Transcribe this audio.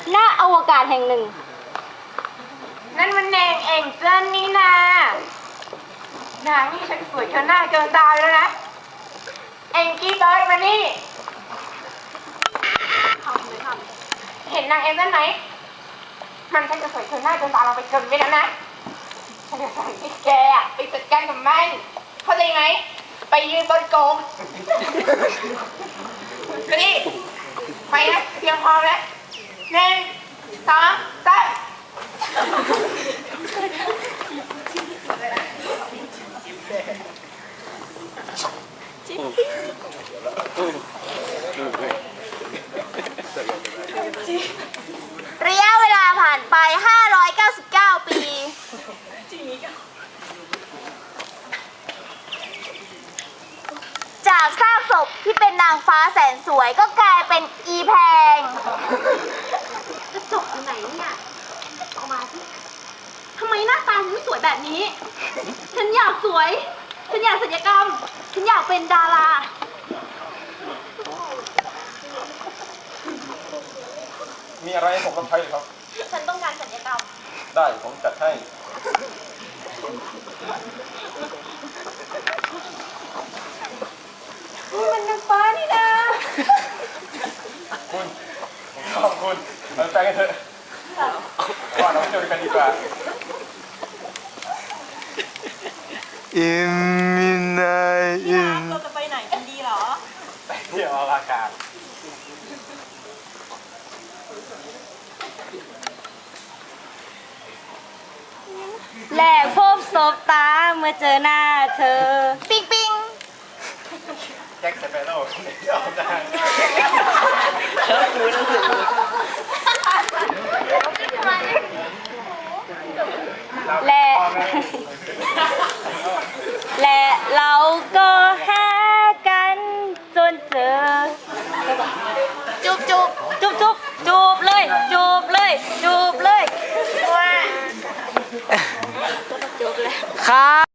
หน้าอวกาศแห่งหนึ่งนั่นมันแนงเองเจิ้นนี่นานางนี่ฉันสวยเกินหน้าเกินตาแล้วนะเองกี้เบิร์ดมานี่เห็นนางเอ็มนั่นไหมมันฉันจะสวยเกินหน้าเกินตาเราไปเกินไปแล้วนะฉันจะสั่งให้แกไปจัดการกับมันเข้าใจไหมไปยืนบนโกงไปดิไปนะเตรียมพร้อมแล้ว1 2 3 ระยะเวลาผ่านไป599 ปี จากซากศพที่เป็นนางฟ้าแสนสวยก็กลายเป็นอีแพงกระจกอยู่ไหนเนี่ยออกมาสิทำไมหน้าตาฉันสวยแบบนี้ ฉันอยากสวย ฉันอยากศัลยกรรม ฉันอยากเป็นดารามีอะไรให้ผมรับใช้หรือครับฉันต้องการศัลยกรรมได้ผมจัดให้มันนางฟ้านี่นะคุณผมชอบคุณเราไปกันเถอะว่าเราไปเที่ยวด้วยกันดีกว่าอิมมินายอิมเราจะไปไหนกันดีเหรอไปเที่ยวอวกาศแหลกพบศพตาเมื่อเจอหน้าเธอ ปิ๊งปิ๊งแจ็คสเปโร่ออกทางและและเราก็หากันจนเจอ จุบจุบจุบจุบจูบเลย จูบเลย จูบเลยครับ